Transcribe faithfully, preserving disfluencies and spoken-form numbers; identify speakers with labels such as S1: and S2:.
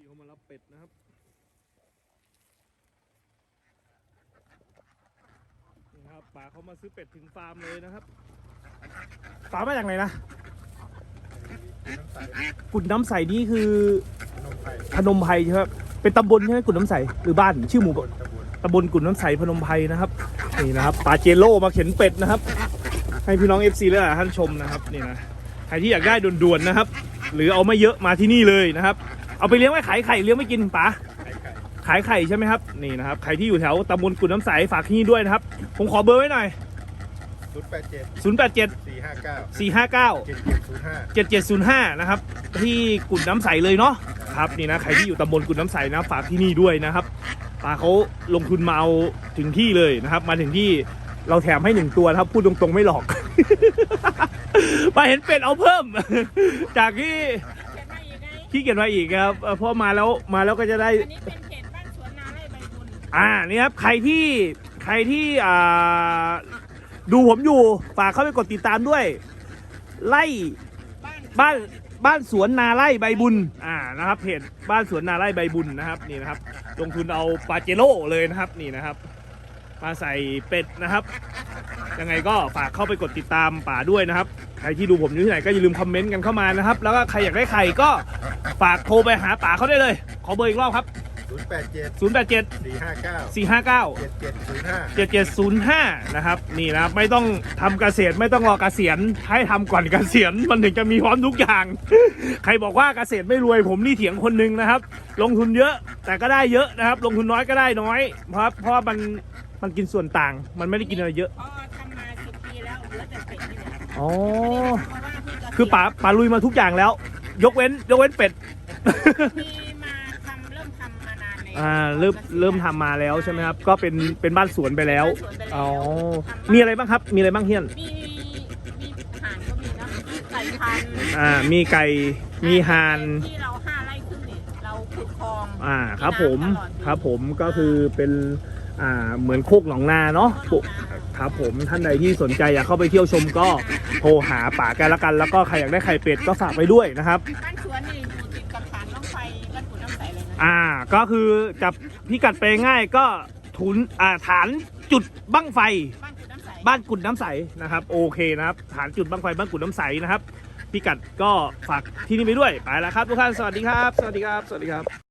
S1: เขามารับเป็ดนะครับนี่ครับป๋าเขามาซื้อเป็ดถึงฟาร์มเลยนะครับป๋ามาจากไหนนะกุดน้ำใสนี่คือพนมไพรใช่ไหมเป็นตำบลใช่ไหมกุดน้ำใสหรือบ้านชื่อหมู่ตำบลกุดน้ำใสพนมไพรนะครับนี่นะครับป๋าเจโร่มาเข็นเป็ดนะครับให้พี่น้อง เอฟ ซี และท่านชมนะครับนี่นะใครที่อยากได้ด่วนๆนะครับหรือเอาไม่เยอะมาที่นี่เลยนะครับเอาไปเลี้ยงไว้ขายไข่เลี้ยงไม่กินป๋าขายไข่ใช่ไหมครับนี่นะครับใครที่อยู่แถวตำบลกุดน้ำใสฝากที่นี่ด้วยนะครับผมขอเบอร์ไว้หน่อย
S2: ศูนย์แปดเจ็ด
S1: ศูนย์แปดเจ็ด
S2: สี่ห้าเก้า
S1: สี่ห้าเก้า
S2: เจ็ดเจ็ดศูนย์ห้า
S1: เจ็ดเจ็ดศูนย์ห้านะครับที่กุดน้ำใสเลยเนาะครับนี่นะใครที่อยู่ตำบลกุดน้ำใสนะฝากที่นี่ด้วยนะครับป๋าเขาลงทุนมาเอาถึงที่เลยนะครับมาถึงที่เราแถมให้หนึ่งตัวนะครับพูดตรงๆไม่หลอก มาเห็นเป็ดเอาเพิ่ม จากที่ขี้เกียจมาอีกครับเพราะมาแล้วมาแล้วก็จะได้
S3: อันนี้เป็นเพจบ้านสวนนาไร่ใบบุญ
S1: อ่านี่ครับใครที่ใครที่อ่าดูผมอยู่ฝากเข้าไปกดติดตามด้วยไล่บ้านบ้านสวนนาไร่ใบบุญอ่านะครับเพจบ้านสวนนาไร่ใบบุญนะครับนี่นะครับลงทุนเอาปาเจโร่เลยนะครับนี่นะครับมาใส่เป็ดนะครับยังไงก็ฝากเข้าไปกดติดตามป๋าด้วยนะครับใครที่ดูผมอยู่ที่ไหนก็อย่าลืมคอมเมนต์กันเข้ามานะครับแล้วก็ใครอยากได้ไข่ก็ฝากโทรไปหาป๋าเขาได้เลยขอเบอร์อีกรอบครับ
S2: ศูนย์แปดเจ็ด
S1: ศูนย์แปดเจ็ด
S2: สี่ห้าเก้า
S1: สี่ห้าเก้า
S2: เจ็ดเจ็ดศูนย์ห้า
S1: เจ็ดเจ็ดศูนย์ห้านะครับนี่นะไม่ต้องทำเกษตรไม่ต้องรอเกษียณให้ทำก่อนเกษียณมันถึงจะมีพร้อมทุกอย่าง ใครบอกว่าเกษตรไม่รวยผมนี่เถียงคนหนึ่งนะครับลงทุนเยอะแต่ก็ได้เยอะนะครับลงทุนน้อยก็ได้น้อยเพราะเพราะมันมันกินส่วนต่างมันไม่ได้กินอะไรเยอะ
S3: พอทำมาสิบปีแล้วเหลือแต่เป็ดนี่แหละ
S1: อ๋อ
S3: เพราะว่าพี่ก็
S1: คือป๋าป๋าลุยมาทุกอย่างแล้วยกเว้นยกเว้นเป็ด
S3: มีมาทำเริ่มทำมานานแล้ว
S1: อ่าเริ่มเริ่มทำมาแล้วใช่ไหมครับก็เป็นเป็นบ้านสวนไปแล้วอ๋อ
S3: มี
S1: มีอะไรบ้างครับมีอะไรบ้างเฮียน
S3: มีมีห่านก็มีนะไก่พันธุ์
S1: อ่ามีไก่มีห่าน
S3: ที่เราห้าไร่ครึ่งนี่เราขุดคลอง
S1: อ่าครับผมครับผมก็คือเป็นอ่าเหมือนโคกหนองนาเนาะครับผมท่านใดที่สนใจอยากเข้าไปเที่ยวชมก็โทรหาป๋ากันละกันแล้วก็ใครอยากได้ไข่เป็ดก็ฝากไปด้วยนะครับ
S3: บ้านสวนนี่อยู่ติดกับฐานน้ำไฟบ้านกุดน้ำใสเลยนะ
S1: อ่าก็คือจับพิกัดไปง่ายก็ทุนอ่าฐานจุดบั้งไฟบ้านกุดน้ำใสนะครับโอเคนะครับฐานจุดบั้งไฟบ้านกุดน้ำใสนะครับพิกัดก็ฝากที่นี่ไปด้วยไปแล้วครับทุกท่านสวัสดีครับสวัสดีครับสวัสดีครับ